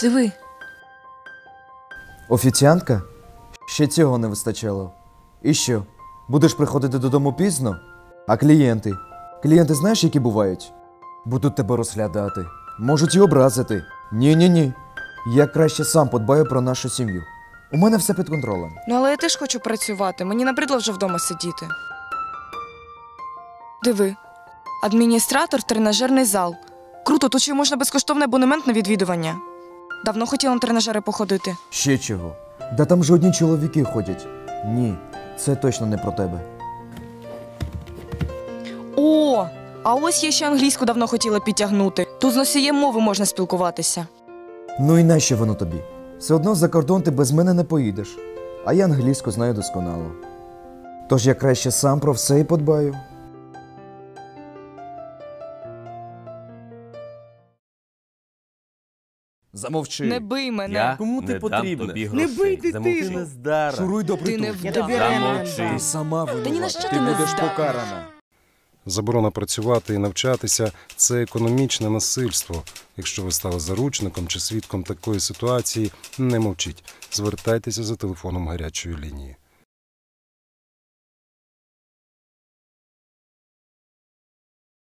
Диви. Офіціантка? Ще цього не вистачало. І що? Будеш приходити додому пізно? А клієнти? Клієнти знаєш, які бувають? Будуть тебе розглядати. Можуть і образити. Ні-ні-ні. Я краще сам подбаю про нашу сім'ю. У мене все під контролем. Ну, але я теж хочу працювати. Мені набридло вже вдома сидіти. Диви. Адміністратор, тренажерний зал. Круто, тут ще можна безкоштовний абонемент на відвідування. Давно хотіла на тренажери походити. Ще чого? Да там же одні чоловіки ходять. Ні, це точно не про тебе. О, а ось я ще англійську давно хотіла підтягнути. Тут з носієм мови можна спілкуватися. Ну і нащо воно тобі? Все одно за кордон ти без мене не поїдеш. А я англійську знаю досконало. Тож я краще сам про все і подбаю. Замовчи. Не бий мене. Я Кому ти не потрібна? дам тобі Не грошей. бий Замовчи. дитину. Нездара. Шуруй до Ти не притулку. вдав. Замовчи. Ти сама винувата. Та ні на що ти ти не будеш здатна. покарана. Заборона працювати і навчатися – це економічне насильство. Якщо ви стали заручником чи свідком такої ситуації, не мовчіть. Звертайтеся за телефоном гарячої лінії.